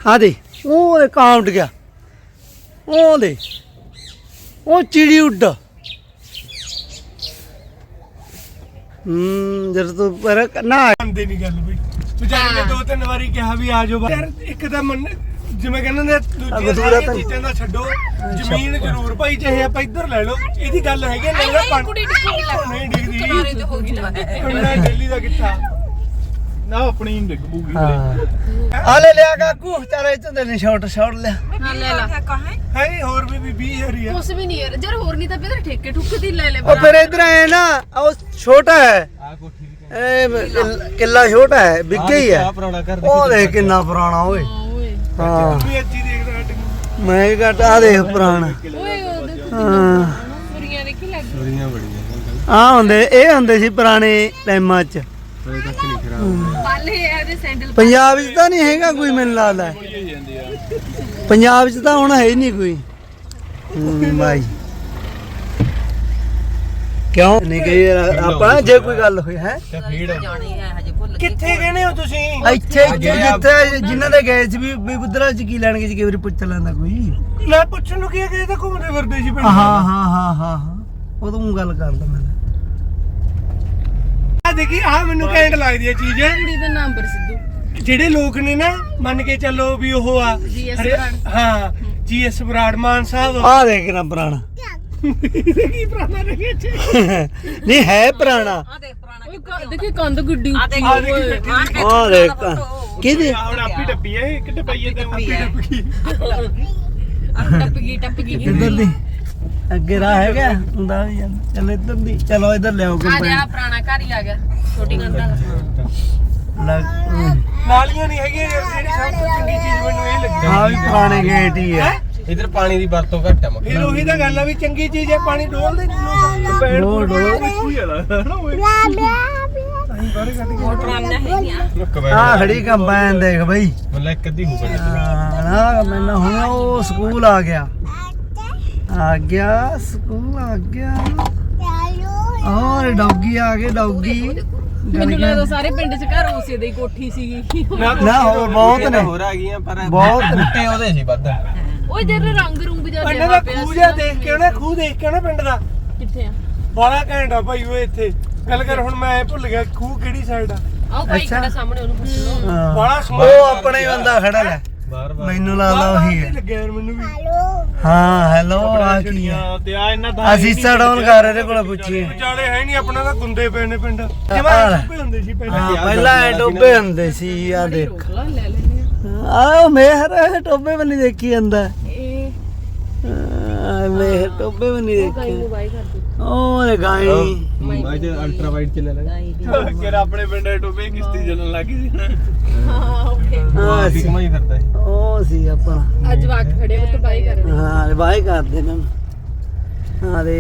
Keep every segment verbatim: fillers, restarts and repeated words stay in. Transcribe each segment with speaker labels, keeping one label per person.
Speaker 1: हाँ दे वो कहाँ उठ गया वो दे वो चिड़ी उड़ हम्म जब तो पर ना
Speaker 2: ਆਂਦੇ ਨਹੀਂ ਗੱਲ ਬਈ ਵਿਚਾਰੇ ਨੇ ਦੋ ਤਿੰਨ ਵਾਰੀ ਕਿਹਾ ਵੀ ਆ ਜਾਓ ਯਾਰ ਇੱਕ ਤਾਂ ਮੰਨ ਜਿਵੇਂ ਕਹਿੰਦੇ ਨੇ ਦੂਜੀਆਂ ਸਾਰੀਆਂ ਚੀਜ਼ਾਂ ਦਾ ਛੱਡੋ ਜ਼ਮੀਨ ਜ਼ਰੂਰ ਭਾਈ ਚਾਹੇ ਆਪਾਂ ਇੱਧਰ ਲੈ ਲਓ ਇਹਦੀ ਗੱਲ ਹੈਗੀ ਨਾ ਨਾ
Speaker 3: ਕੁੜੀ ਟਿੱਕੀ ਲੱਗ
Speaker 2: ਨਹੀਂ ਡਿੱਗਦੀ
Speaker 3: ਕਿਨਾਰੇ ਤੇ ਹੋ ਗਈ ਨਾ
Speaker 2: ਉਹਨਾਂ ਦਿੱਲੀ ਦਾ ਕਿੱਥਾ ਨਾ ਆਪਣੀ ਡਿੱਗ ਪੂਗੀ
Speaker 1: आ ले लिया काकू चल इतने दिन शॉट शॉट ले
Speaker 3: ਹਾਂ ਲੈ ਲਾ
Speaker 2: ਹੈ ਹੋਰ ਵੀ ਵੀਹ ਹਜ਼ਾਰ ਹੀ ਆ
Speaker 3: ਕੁਛ ਵੀ ਨਹੀਂ ਯਾਰ ਜਰ ਹੋਰ ਨਹੀਂ ਤਾਂ ਫਿਰ ਠੇਕੇ ਠੁੱਕੇ ਦੀ ਲੈ ਲੈ
Speaker 1: और फिर इधर है ना वो छोटा है ए, किला छोटा है बिक गई है ओ देख कितना पुराना ओए
Speaker 3: ਓਏ
Speaker 1: हाँ
Speaker 2: ਵੀ ਅੱਜੀ ਦੇਖਦਾ ਹਟ
Speaker 1: मैं घटा देख पुराना
Speaker 3: ਓਏ ਉਹ ਦੇਖੋ
Speaker 1: हाँ
Speaker 3: ਸੁਰੀਆਂ ਦੇਖੀ ਲੱਗ
Speaker 1: ਆ ਹੁੰਦੇ ਇਹ ਹੁੰਦੇ ਸੀ ਪੁਰਾਣੇ ਟਾਈਮਾਂ 'ਚ
Speaker 3: ਪਾਲੇ ਇਹਦੇ ਸੈਂਡਲ
Speaker 1: ਪੰਜਾਬ 'ਚ ਤਾਂ ਨਹੀਂ ਹੈਗਾ ਕੋਈ ਮੈਨੂੰ ਲੱਗਦਾ ਪੰਜਾਬ 'ਚ ਤਾਂ ਹੁਣ ਹੈ ਹੀ ਨਹੀਂ ਕੋਈ ਹੂੰ ਭਾਈ ਕਿਉਂ ਨਹੀਂ ਗਈ ਆਪਾਂ ਜੇ ਕੋਈ ਗੱਲ ਹੋਈ ਹੈ
Speaker 2: ਕਿੱਥੇ ਕਹਿੰਦੇ ਹੋ ਤੁਸੀਂ
Speaker 1: ਇੱਥੇ ਇੱਥੇ ਜਿੱਥੇ ਜਿਨ੍ਹਾਂ ਦੇ ਗਏ ਸੀ ਵੀ ਵੀ ਉਧਰ ਚ ਕੀ ਲੈਣਗੇ ਜੀ ਕਈ ਵਾਰੀ ਪੁੱਛ ਲੈਂਦਾ ਕੋਈ
Speaker 2: ਲੈ ਪੁੱਛਣ ਨੂੰ ਕੀ ਹੈ ਕਿ ਇਹ ਤਾਂ ਘੁੰਮਦੇ ਫਿਰਦੇ ਸੀ ਪਿੰਡ
Speaker 1: ਹਾਂ ਹਾਂ ਹਾਂ ਹਾਂ ਹਾਂ ਉਹ ਤੂੰ ਗੱਲ ਕਰਦਾ ਮੈਂ
Speaker 2: ਆ ਦੇਖੀ ਆ ਮੈਨੂੰ ਕੈਂਟ ਲੱਗਦੀ ਹੈ ਚੀਜ਼
Speaker 3: ਕੁੜੀ ਦਾ ਨਾਮ ਬਰ ਸਿੱਧੂ
Speaker 2: ਜਿਹੜੇ ਲੋਕ ਨੇ ਨਾ ਮੰਨ ਕੇ ਚੱਲੋ ਵੀ ਉਹ ਆ
Speaker 3: ਜੀ ਐਸ
Speaker 2: ਹਰੇ-
Speaker 3: ਬਰਾੜ।
Speaker 2: ਹਾਂ ਜੀ ਐਸ ਬਰਾੜ ਮਾਨ ਸਾਹਿਬ
Speaker 1: ਆ ਦੇਖ ਨਾ ਪੁਰਾਣਾ
Speaker 2: ਕੀ ਪੁਰਾਣਾ ਨਹੀਂ ਇੱਥੇ
Speaker 1: ਨਹੀਂ ਹੈ ਪੁਰਾਣਾ
Speaker 3: ਓਏ ਦੇਖੀ ਕੰਧ ਗੁੱਡੀ ਉੱਚੀ
Speaker 2: ਆ ਦੇਖੀ ਬੈਠੀ
Speaker 1: ਆ ਦੇਖ ਕਿਹਦੀ
Speaker 2: ਹੁਣ ਆਪੀ ਡੱਬੀ ਹੈ ਇੱਕ ਡੱਬਈਏ ਤੇ ਆਪੀ ਡੱਬ ਗਈ
Speaker 3: ਟੱਪ ਗਈ ਟੱਪ ਗਈ
Speaker 1: ਇੱਧਰ ਦੀ ਅੱਗੇ ਰਾਹ ਹੈਗਾ ਹੁੰਦਾ ਵੀ ਜਾਂਦਾ ਚਲੋ ਇੱਧਰ ਦੀ ਚਲੋ ਇੱਧਰ ਲਿਆਓ
Speaker 3: ਆ
Speaker 1: ਕੰਪਨੀ
Speaker 3: ਜਾ ਪੁਰਾਣਾ ਘਰ ਹੀ ਆ ਗਿਆ ਛੋਟੀ ਕੰਧ ਵਾਲਾ
Speaker 2: ਨਾਲੀਆਂ ਨਹੀਂ ਹੈਗੀਆਂ ਯਾਰ, ਜਿਹੜੀ ਸਭ ਤੋਂ ਚੰਗੀ ਚੀਜ਼ ਮੈਨੂੰ ਇਹ ਲੱਗੀ
Speaker 1: ਆ ਵੀ ਪੁਰਾਣੇ ਗੇਟ ਹੀ ਹੈ
Speaker 4: ਇਧਰ ਪਾਣੀ ਦੀ ਵਰਤੋਂ ਘੱਟ ਆ ਮੱਖੀ
Speaker 2: ਫਿਰ ਉਹੀ ਤਾਂ ਗੱਲ ਆ ਵੀ ਚੰਗੀ ਚੀਜ਼ ਹੈ ਪਾਣੀ ਡੋਲਦੇ ਲੋਕ ਪੈੜ
Speaker 1: ਡੋਲ, ਡੋਲ।
Speaker 2: ਕੋਈ ਵਾਲਾ ਨਾ ਓਏ ਅਸੀਂ ਬਾਰੇ ਕੱਢ ਕੇ
Speaker 3: ਪੁਰਾਣਾ ਹੈ
Speaker 1: ਆ ਖੜੀ ਕੰਬਾਈਨ ਦੇਖ ਬਈ
Speaker 4: ਮਤਲਬ ਇੱਕ ਅੱਧੀ ਹੋ ਗਈ
Speaker 1: ਹਾਂ ਨਾ ਮੈਨੂੰ ਹੁਣ ਉਹ ਸਕੂਲ ਆ ਗਿਆ ਆ ਗਿਆ ਸਕੂਲ ਆ ਗਿਆ ਔਰ ਡੌਗੀ ਆ ਗਏ ਡੌਗੀ
Speaker 3: ਮੈਨੂੰ ਲੱਗਦਾ ਸਾਰੇ ਪਿੰਡ ਚ ਘਰ ਉਸੇ ਦੀ ਕੋਠੀ ਸੀਗੀ
Speaker 1: ਨਾ ਹੋਰ ਬਹੁਤ ਨੇ
Speaker 4: ਹੋਰ ਆ ਗਈਆਂ ਪਰ
Speaker 1: ਬਹੁਤ ਨੇ।
Speaker 4: ਬੂਟੇ ਉਹਦੇ ਸੀ ਵੱਧ
Speaker 3: ਓਏ ਜਰ ਰੰਗ ਰੁੰਗ ਜਿਹਾ
Speaker 2: ਪਿੰਡ
Speaker 3: ਪਿਆ
Speaker 2: ਦਾ
Speaker 3: ਪਿਆ
Speaker 2: ਖੂਹ ਜਿਹਾ ਦੇਖ ਕੇ ਨਾ ਖੂਹ ਦੇਖ ਕੇ ਨਾ ਪਿੰਡ ਦਾ
Speaker 3: ਕਿੱਥੇ ਆ
Speaker 2: ਬੜਾ ਘੈਂਟ ਆ ਭਾਈ ਉਹ ਇੱਥੇ ਗੱਲ ਕਰ ਹੁਣ ਮੈਂ ਭੁੱਲ ਗਿਆ ਖੂਹ ਕਿਹੜੀ ਸਾਈਡ ਆ
Speaker 3: ਆਓ ਭਾਈ
Speaker 1: ਅੱਛਾ।
Speaker 3: ਖੜਾ ਸਾਹਮਣੇ ਉਹਨੂੰ ਪੁੱਛ ਲਓ
Speaker 1: ਹਾਂ।
Speaker 2: ਬੜਾ ਸੋਹਣਾ
Speaker 1: ਉਹ ਆਪਣੇ ਹੀ ਬੰਦਾ ਖੜਾ ਲੈ
Speaker 4: ਬਾਰ ਬਾਰ
Speaker 1: ਮੈਨੂੰ ਲੱਗਦਾ ਉਹੀ ਹੈ
Speaker 2: ਲੱਗਿਆ ਯਾਰ ਮੈਨੂੰ ਵੀ
Speaker 1: ਹਾਂ ਹੈਲੋ ਆ ਕੀ ਹੈ
Speaker 2: ਤੇ ਆ ਇਹਨਾਂ ਦਾ
Speaker 1: ਅਸੀਂ ਸਡਾਊਨ ਕਰ ਇਹਦੇ ਕੋਲ ਪੁੱਛੀਏ
Speaker 2: ਵਿਚਾਲੇ ਹੈ ਨਹੀਂ ਆਪਣਾ ਤਾਂ ਗੁੰਦੇ ਪਏ ਨੇ ਪਿੰਡ
Speaker 1: ਆ
Speaker 2: ਜਿਵੇਂ
Speaker 1: ਲੈ।
Speaker 2: ਟੁੱਪੇ ਹੁੰਦੇ ਸੀ ਪਹਿਲਾਂ
Speaker 1: ਹਾਂ ਪਹਿਲਾਂ ਐ ਟੋਬੇ ਹੁੰਦੇ ਸੀ ਆ ਦੇਖ
Speaker 3: ਰੋਕ ਲਾ ਲੈ ਲੈਨੇ
Speaker 1: ਆਹ ਮੇਹਰ ਟੋਬੇ ਵੀ ਨਹੀਂ ਦੇਖੀ ਜਾਂਦਾ
Speaker 3: ਇਹ
Speaker 1: ਆ ਮੇਹਰ ਟੋਬੇ ਵੀ ਨਹੀਂ
Speaker 3: ਗਾਈ
Speaker 1: ਦੇਖੀ
Speaker 3: ਨੂੰ ਬਾਈ ਕਰ ਦੇ
Speaker 1: ਓਏ ਗਾਈ
Speaker 4: ਅੱਜ ਅਲਟਰਾ ਵਾਈਡ ਚੱਲੇ ਲੱਗਾ
Speaker 2: ਕਿ ਆਪਣੇ ਪਿੰਡ ਦੇ ਟੋਬੇ ਕਿਸ਼ਤੀ ਚੱਲਣ ਲੱਗੀ ਸੀ ਨਾ
Speaker 3: ਹਾਂ ਓਕੇ
Speaker 1: ਹਾਂ
Speaker 4: ਸੀ
Speaker 1: ਸੀ
Speaker 4: ਕਮਾਈ ਕਰਦਾ ਹੈ
Speaker 1: ਉਹ ਸੀ ਆਪਣਾ
Speaker 3: ਅੱਜ ਵਾਕ ਖੜੇ ਹੋ ਤਾਂ ਬਾਈ ਕਰ ਦੇ
Speaker 1: ਹਾਂ ਬਾਈ ਕਰਦੇ ਨੇ ਅਰੇ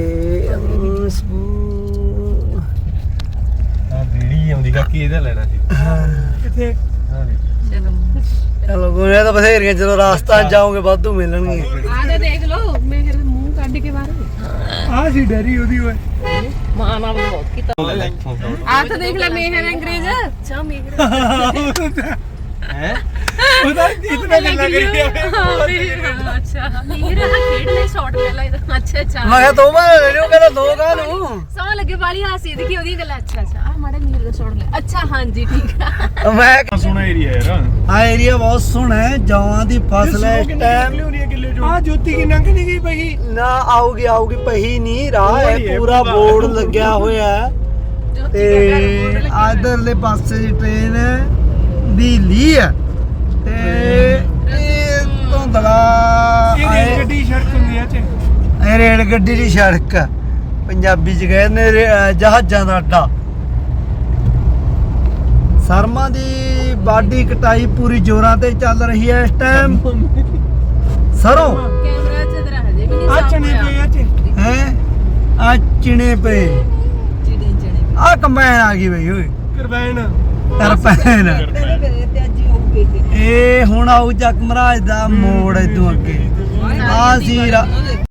Speaker 4: ਆ ਬੀੜੀ ਆਉਂਦੀ ਕਾਕੀ ਇਹਦਾ ਲੈਣਾ ਸੀ
Speaker 2: ਕਿੱਥੇ
Speaker 4: ਹਾਂ
Speaker 1: ਚਲੋ ਗੋਰੇ ਤਾਂ ਬਥੇਰੀਆਂ ਜਦੋਂ ਰਾਸਤਾ ਜਾਓਗੇ ਵਾਧੂ ਮਿਲਣਗੇ
Speaker 3: ਆ ਤੇ ਦੇਖ ਲਓ ਮੈਂ ਫਿਰ ਮੂੰਹ ਕੱਢ ਕੇ ਬਾਹਰ
Speaker 2: ਆ ਸੀ ਡੈਰੀ ਉਹਦੀ ਓਏ
Speaker 3: ਮਾਂ ਨਾਲ ਬਹੁਤ ਕੀਤਾ
Speaker 4: ਲੈ ਲੈ
Speaker 3: ਆ ਤਾਂ ਦੇਖ ਲੈ ਮੇਹਰ ਅੰਗਰੇਜ਼ ਅੱਛਾ ਮੇਹਰ
Speaker 4: ਹੈ
Speaker 2: ਉਹਦਾ ਇਤਨਾ ਗੱਲਾਂ ਕਰੀ ਜਾਵੇ
Speaker 3: ਹਾਂ ਮੇਹਰ ਅੱਛਾ ਮੇਹਰ ਆ ਖੇਡ ਲੈ ਸ਼ਾਟ ਲੈ ਲੈ ਅੱਛਾ ਅੱਛਾ
Speaker 1: ਮੈਂ ਕਿਹਾ ਦੋ ਵਾਰ ਲੈ ਲਿਓ ਕਹਿੰਦਾ ਦੋ ਕਾ ਨੂੰ
Speaker 3: ਸੌ ਲੱਗੇ ਵਾਲੀ ਹਾਸੀ ਦੇਖੀ ਉਹਦੀ ਗੱਲ ਅੱਛਾ ਅੱਛਾ ਆ ਮਾੜਾ ਮੇਹਰ ਦਾ ਸ਼ਾਟ ਲੈ ਅੱਛਾ ਹਾਂਜੀ ਠੀਕ ਆ
Speaker 1: ਮੈਂ
Speaker 2: ਸੋਹਣਾ ਏਰੀਆ ਯਾਰ
Speaker 1: ਆ ਏਰੀਆ ਬਹੁਤ ਸੋਹਣਾ ਹੈ ਜਵਾਂ ਦੀ ਫਸਲ ਹੈ ਇਸ ਟਾਈਮ
Speaker 2: ਆ ਜੋਤੀ ਕੀ ਲੰਘ ਨਹੀਂ ਗਈ ਪਈ
Speaker 1: ਨਾ ਆਊਗੀ ਆਊਗੀ ਪਹੀ ਨਹੀਂ ਰਾਹ ਹੈ ਪੂਰਾ ਬੋਰਡ ਲੱਗਿਆ ਹੋਇਆ ਹੈ ਤੇ ਆਦਰਲੇ ਪਾਸੇ ਦੀ ਟ੍ਰੇਨ ਦੀ ਲੀ ਹੈ ਤੇ ਇਹ ਧੁੰਦਲਾ
Speaker 2: ਇਹ ਰੇਲ ਗੱਡੀ ਸੜਕ ਹੁੰਦੀ ਆ ਚ
Speaker 1: ਇਹ ਰੇਲ ਗੱਡੀ ਦੀ ਸੜਕ ਆ। ਪੰਜਾਬੀ ਚ ਕਹਿੰਦੇ ਰੇ- ਅਹ ਜਹਾਜ਼ਾਂ ਦਾ ਅੱਡਾ ਸਰਮਾ ਦੀ ਬਾਡੀ ਕਟਾਈ ਪੂਰੀ ਜ਼ੋਰਾਂ ਤੇ ਚੱਲ ਰਹੀ ਹੈ ਇਸ ਟਾਈਮ ਸਰੋਂ
Speaker 3: ਕੈਮਰਾ ਚ ਇਧਰ ਹਜੇ ਵੀ ਨਹੀਂ
Speaker 2: ਆ
Speaker 3: ਸਾਫ
Speaker 2: ਚਣੇ ਪਏ ਆ ਚ
Speaker 1: ਹੈ ਆ ਚਿਣੇ ਪਏ
Speaker 3: ਚਿੜੇ ਚਿੜੇ
Speaker 1: ਆ ਕੰਬਾਈਨ ਆ ਗਈ ਬਈ ਓਏ
Speaker 2: ਕਰਬੈਨ
Speaker 1: ਤਰਪੈਨ ਇਹ ਹੁਣ ਆਊ ਚੱਕ ਮਹਾਰਾਜ ਦਾ ਮੋੜ ਇਦੋਂ ਅੱਗੇ ਆ ਸੀ ਰਾ-